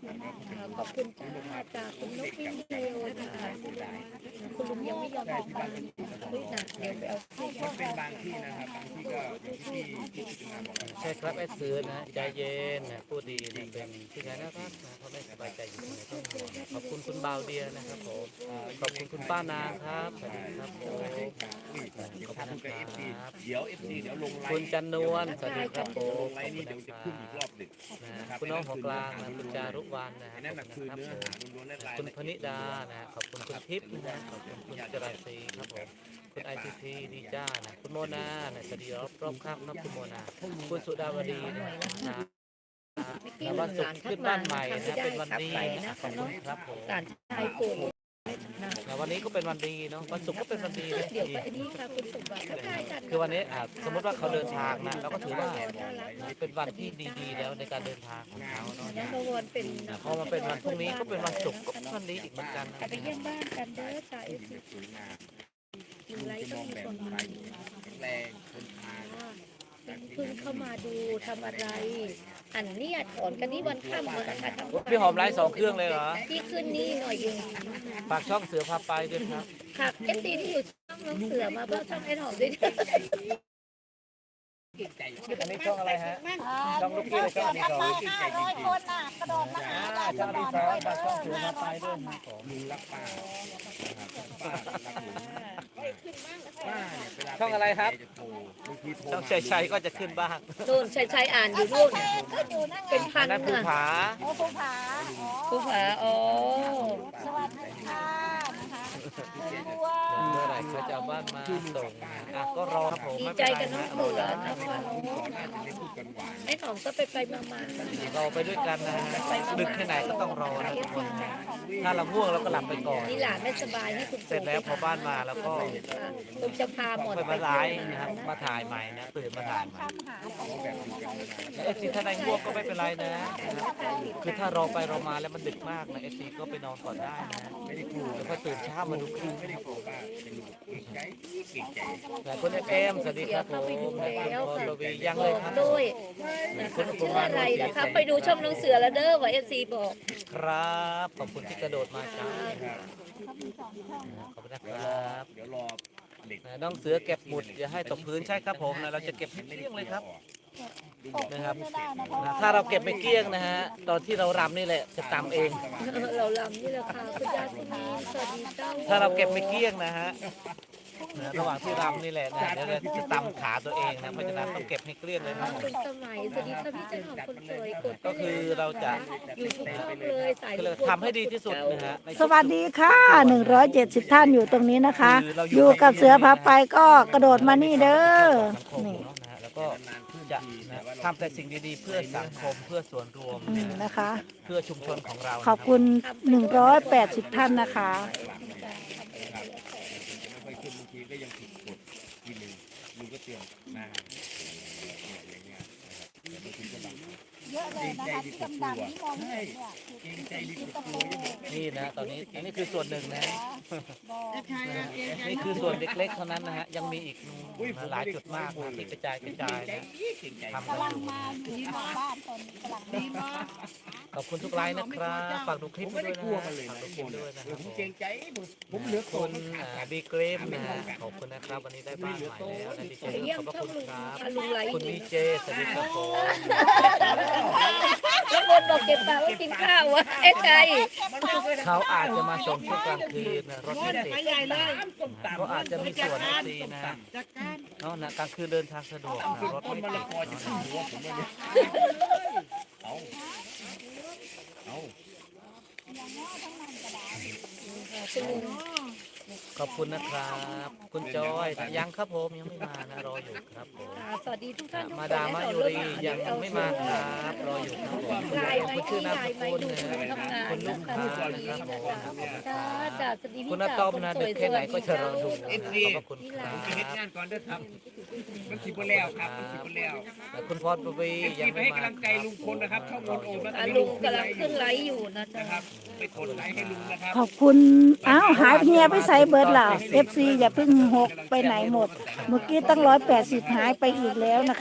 ขอบคุณจ้าจากคุณนกวิ่งเร็วนะคะคุณลุงยังไม่ยอมออกมาเฮ้ยนะเดี๋ยวไปเอาที่มันเป็นบางที่นะครับบางที่ก็อย่างที่พิจารณาบอกใช่ครับไอ้ซื้อนะใจเย็นนะพูดดีนะเป็นที่ไหนน่ารักนะเขาไม่สบายใจอยู่ตรงไหนต้องห่วงนะขอบคุณคุณบ่าวเดียนะครับผมขอบคุณคุณป้านางครับสวัสดีครับผมเดี๋ยวทำกับ FC เดี๋ยว FC เดี๋ยวลงไลคุณน์จันนวลสวัสดีครับผลมงไลน์นี่เดี๋ยวจะขึ้นอีกรอบหนึ่งนะคุณน้องหัวกลางนะคุณจารุวรรณนะอันนั้นคือครับเนื้อผมหาล้วนๆและรายคุณละพเอียดนิดานะขอบคุณคุณทิพย์นะขอบคุณคุณจรัญศรีครับผมคุณไอทีพีดีจ้านะคุณโมนานะสวัสดีรอบข้างครับคุณโมนาคุณสุดาวดีนะแล้ววันศุกร์ขึ้นบ้านใหม่นะเป็นวันดีนะขอบคุณครับผมการชายโกงนะแล้ววันนี้ก็เป็นวันดีเนาะวันศุกร์ก็เป็นวันดีนะเดี๋ยวไปอันนี้ค่ะคุณสมบัติก็ได้กันคือวันนี้สมมติว่าเขาเดินทางนะเราก็ถือว่าเป็นวันที่ดีๆแล้วในการเดินทางของเขาเนาะนะพวันเป็นพอมาเป็นวันพรุ่งนี้ก็เป็นวันศุกร์ก็เป็นวันดีอีกเหมือนกันนะไปเยี่ยมบ้านกันเด้อจ่าเอฟซีสวยงามอยู่ไรจะมก็องมีแบบคนไทมายแข็งแรงทนทานเพิ่งเข้ามาดูทำอะไร อันนี้ถอนกันนี่วันค่ำเลยค่ะทำพี่หอมไลฟ์2 เครื่องเลยเหรอที่ขึ้นนี่หน่อยเองฝากช่องเสือพาไปด้วยครับค่ะเอฟซีที่อยู่ช่องน้องเสือมาเพิ่มช่องไอ้หอมด้วยนะอันนี้ช่องอะไรฮะช่องลูกกี้หรือช่องอดีศร 500 คนน่ะกระโดดมาหาเราช่องอดีศรฝากช่องเสือพาไปด้วยครับผมลุงรักป้านะครับป้ารักหนูป้าเนี่ยเวลาช่องอะไรครับจะโทรบางทีโทรช่องมาชัยก็จะขึ้นบ้างโดนชัยอ่านอยู่นู่นก็อยู่นั่นไงเป็นพัอันนนั้นภูน่ะผาโอ้ภูผาผู้ผาอ๋อสวัสดีค่ะนะคะบัวเมื่อไหร่เขาจะเอาบ้านมาส่งอ่ะก็รอครับผมดีไม่ใจเป็นไรกับน้องนะเสือนะก่อนหน้าจะไม่พูดกันหวานไอ้หอมก็ไปมารอไปด้วยกันนะดึกแค่ไหนก็ต้องรอนะทุกคนถ้าเราง่วงเราก็หลับไปก่อนนี่หลานไม่สบายให้คุณเสร็จแล้วพอบ้านมาแล้วก็คุณจะพาหมดค่อยมาไลฟ์นะครับมาถ่ายใหม่นะตื่นมาถ่ายใหม่หาเอฟซีถ้าได้ง่วงก็ไม่เป็นไรนะครับคือถ้ารอไปรอมาแล้วมันดึกมากนะเอฟซีก็ไปนอนก่อนได้นะไม่ได้กลัวแล้วก็ตื่นเช้ามาดูคลิปไม่ได้กลัวป้าเป็นลูกเก่งใจเก่งใจแต่คุณเอมสวัสดีครับผมและคุณพรวียังบเลยอกครับด้วยนะคะชื่ออะไรนะคะไปดูช่องน้องเสือแล้วเด้อว่าเอฟซีบอกครับขอบคุณที่กระโดดมาจ้าขอบคุณนะครับเดี๋ยวรอเด็กน้องเสือเก็บหมุดอย่าให้ตกพื้นใช่ครับผมนะเราจะเก็บให้เกลี้ยงเลยครับนะครับไม่ได้นะเพราะถ้าเราเก็บไม่เกลี้ยงนะฮะตอนที่เรารำนี่แหละจะตำเองเราลำนี่แหละค่ะคุณยาสุนีสวัสดีเจ้าถ้าเราเก็บไม่เกลี้ยงนะฮะระหว่างที่รำนี่แหละนะเดี๋ยวเราจะตำขาตัวเองนะเพราะฉะนั้นต้องเก็บให้เกลี้ยงเลยครับผมคุณสมัยสวัสดีค่ะพี่เจ้าหอมคนสวยกดก็คือเราจะอยู่ทุกช่องเลยสายก็เลยทำให้ดีที่สุดนะฮะในสวัสดีค่ะ170 ท่านอยู่ตรงนี้นะคะ อยู่กับเสือพาไปก็กระโดดมานี่เด้อสังคมนี่เนาะนะฮะแล้วก็จะนะทำแต่สิ่งดีๆ เพื่อสังคมเพื่อส่วนรวมนะคะเพื่อชุมชนของเราขอบคุณ180 ท่านนะคะไม่ค่อยขึ้นบางทีก็ยังผิดกฎทีหนึ่งลุงก็เตือนนะอย่างเงี้ยนะครับแต่บางทีก็บางเยอะเลยนะคะที่ดำๆที่มองไม่เห็นเนี่ยเกรงใจดีกว่ากลัวยังบอกนี่นะตอนนี้อันนี้คือส่วนหนึ่งนะบอกนี่คือส่วนเล็กๆเท่านั้นนะฮะยังมีอีกหลายจุดมากนะที่กระจายกระจายนะเกรงใจทำกันกำลังอยู่มาอยู่ที่บ้านตอนนี้กำลังมาขอบคุณทุกไลน์นะครับฝากดูคลิผปมไม่ด้ได้วยกนะลัวฮะมันเลยฝากนะดูคลิปด้วยนะครับผมเกรงใจผมเหลือคุโคนณบีเกรมนะขอบคุณนะครับวันนี้ได้บ้านใหม่แล้วนะดีใจไปเยี่ยขมอบพระช่องคุณลุงครับลุงไลฟ์คุณวีเจสวัสดีครับผมแล้วบนบอกเก็บปากว่ากินข้าววะเอ๊ะใจเขาอาจจะมาส่งช่วงกลางคืนนะรถไม่ติดก็อาจจะมีส่วนดีนะเนาะนะกลางคืนเดินทางสะดวกนะรถต้นไม่มะติละดกอจะถึงหัวผมเลยเอาเอาคุณลุงขอบคุณนะครับ คุณจอยยังครับผมยังไม่มานะรออยู่ครับผมสวัสดีทุกท่านทุกคนมาดามมายุรียังไม่มาครับรออยู่ครับผมลายไหมคุณชื่ที่อนามลาสยไหมกุลดูนะทำงานคุณลูกนะค้าคะนะครับผมขอบคุณคจ้ารับจ้าสวัสดีคุณพี่อาสาวต้อมคนนะสดึวยกสแค่ไหนวัสก็ดีจะรเจ้าอดูขอบคุณครับผมจะเฮ็ดงานก่อนเด้อครับมันสิบแล้วครับมันสิบแล้วคุณพรปวียังไปไม่ให้มากำลังใจลุงพลนะครับช่องวนโอมนะลุงกำลังขึ้นไลฟ์อยู่นะจ๊ะนะครับไปกดไลค์ให้ลุงนะครับขอบคุณอ้าวหายเงียไปใส่เบิร์ดล่ะ FC อย่าเพิ่งหกไปไหนหมด เมื่อกี้ตั้ง180หายไปอีกแล้วนะคะ